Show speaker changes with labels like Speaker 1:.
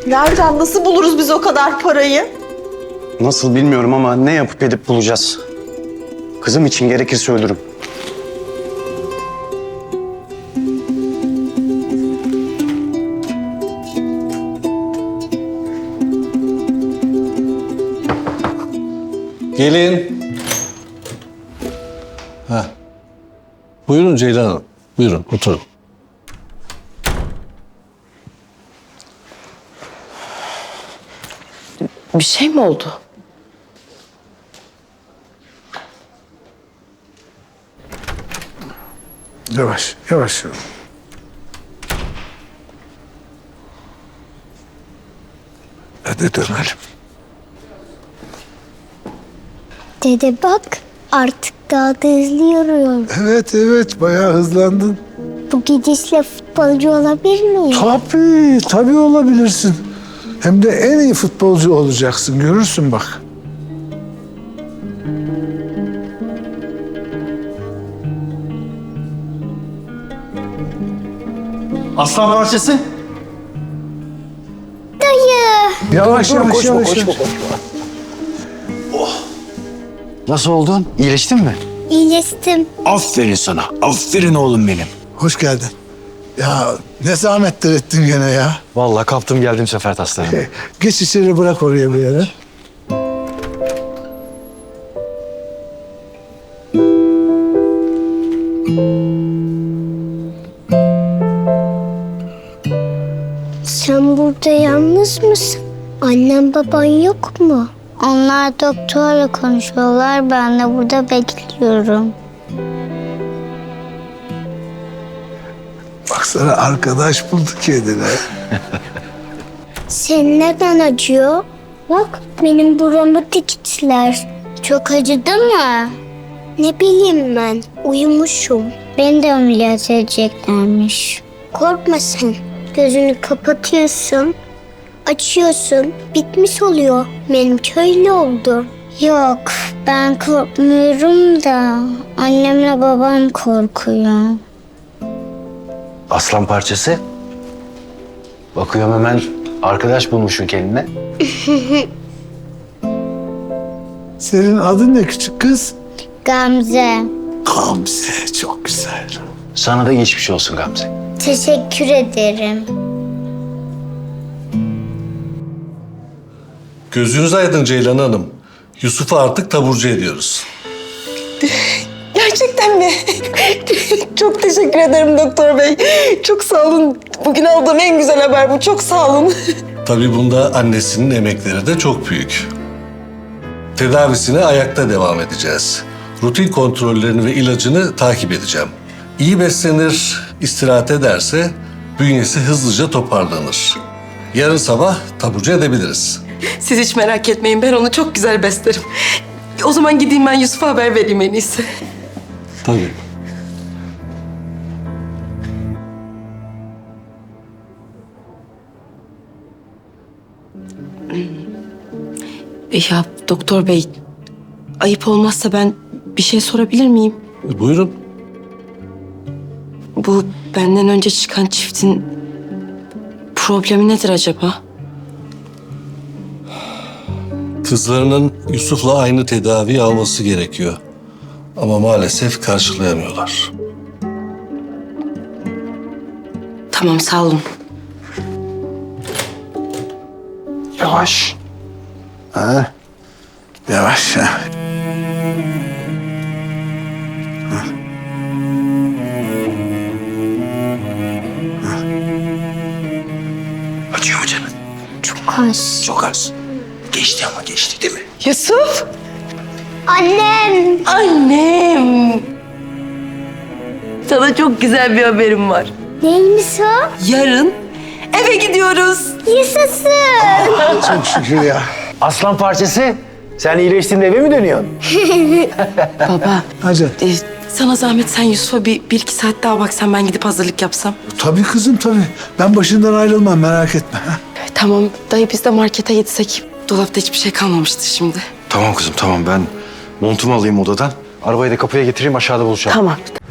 Speaker 1: Nereden, nasıl buluruz biz o kadar parayı?
Speaker 2: Nasıl bilmiyorum ama ne yapıp edip bulacağız. Kızım için gerekirse ölürüm.
Speaker 3: Gelin. Ha. Buyurun Ceylan Hanım. Buyurun oturun.
Speaker 1: Bir şey mi oldu?
Speaker 4: Yavaş, yavaş. Hadi dönelim.
Speaker 5: Dede bak, artık daha da hızlı yürüyorum.
Speaker 4: Evet, bayağı hızlandın.
Speaker 5: Bu gidişle futbolcu olabilir miyim?
Speaker 4: Tabii olabilirsin. Hem de en iyi futbolcu olacaksın, görürsün bak.
Speaker 2: Aslan parçası.
Speaker 5: Dayı.
Speaker 4: Yavaş.
Speaker 2: Nasıl oldun? İyileştin mi?
Speaker 5: İyileştim.
Speaker 2: Aferin sana. Aferin oğlum benim.
Speaker 4: Hoş geldin. Ya ne zahmetler ettin gene ya.
Speaker 2: Vallahi kaptım geldim sefer taslarını.
Speaker 4: Geç içeri, bırak oraya bir yere.
Speaker 5: Sen burada yalnız mısın? Annem baban yok mu? Onlar doktorla konuşuyorlar. Ben de burada bekliyorum.
Speaker 4: Baksana, arkadaş bulduk kendine.
Speaker 5: Senin neden acıyor? Bak benim buramı diktiler. Çok acıdı mı? Ne bileyim ben. Uyumuşum. Beni de ameliyat edeceklermiş. Korkma sen. Gözünü kapatıyorsun. Açıyorsun. Bitmiş oluyor. Benim köylü oldu. Yok, ben korkmuyorum da annemle babam korkuyor.
Speaker 2: Aslan parçası. Bakıyorum hemen arkadaş bulmuşsun kendine.
Speaker 4: Senin adın ne küçük kız?
Speaker 5: Gamze,
Speaker 4: Gamze, çok güzel.
Speaker 2: Sana da geçmiş olsun Gamze.
Speaker 5: teşekkür ederim.
Speaker 3: Gözünüz aydın Ceylan Hanım. Yusuf'u artık taburcu ediyoruz.
Speaker 1: Gerçekten mi? Çok teşekkür ederim doktor bey. Çok sağ olun. Bugün aldığım en güzel haber bu. Çok sağ olun.
Speaker 3: Tabii bunda annesinin emekleri de çok büyük. Tedavisine ayakta devam edeceğiz. Rutin kontrollerini ve ilacını takip edeceğim. İyi beslenir, istirahat ederse bünyesi hızlıca toparlanır. Yarın sabah taburcu edebiliriz.
Speaker 6: Siz hiç merak etmeyin. Ben onu çok güzel beslerim. O zaman gideyim ben Yusuf'a haber vereyim en iyisi.
Speaker 3: Tabii.
Speaker 6: Ya doktor bey, ayıp olmazsa ben bir şey sorabilir miyim?
Speaker 3: Buyurun.
Speaker 6: Bu benden önce çıkan çiftin problemi nedir acaba?
Speaker 3: Kızlarının Yusuf'la aynı tedaviyi alması gerekiyor. Ama maalesef karşılayamıyorlar.
Speaker 6: Tamam, sağ olun.
Speaker 2: Yavaş. Ha?
Speaker 4: Yavaş ya.
Speaker 2: Acıyor mu canım?
Speaker 5: Çok az.
Speaker 2: Çok az. Geçti ama geçti değil mi?
Speaker 6: Yusuf!
Speaker 5: Annem.
Speaker 6: Annem! Sana çok güzel bir haberim var.
Speaker 5: Neymiş o?
Speaker 6: Yarın eve gidiyoruz.
Speaker 5: Yaşasın.
Speaker 4: Çok şükür ya.
Speaker 2: Aslan parçası. Sen iyileştin de eve mi dönüyorsun?
Speaker 6: Baba,
Speaker 4: Hadi.
Speaker 6: sana zahmet sen Yusuf'a bir iki saat daha baksan, ben gidip hazırlık yapsam.
Speaker 4: Tabii kızım, tabii. Ben başından ayrılmam, merak etme. Ha?
Speaker 6: Tamam, dayı biz de markete gitsek. Dolapta hiçbir şey kalmamıştı şimdi.
Speaker 2: Tamam kızım tamam, ben montumu alayım odadan. Arabayı da kapıya getireyim, aşağıda buluşalım.
Speaker 6: Tamam.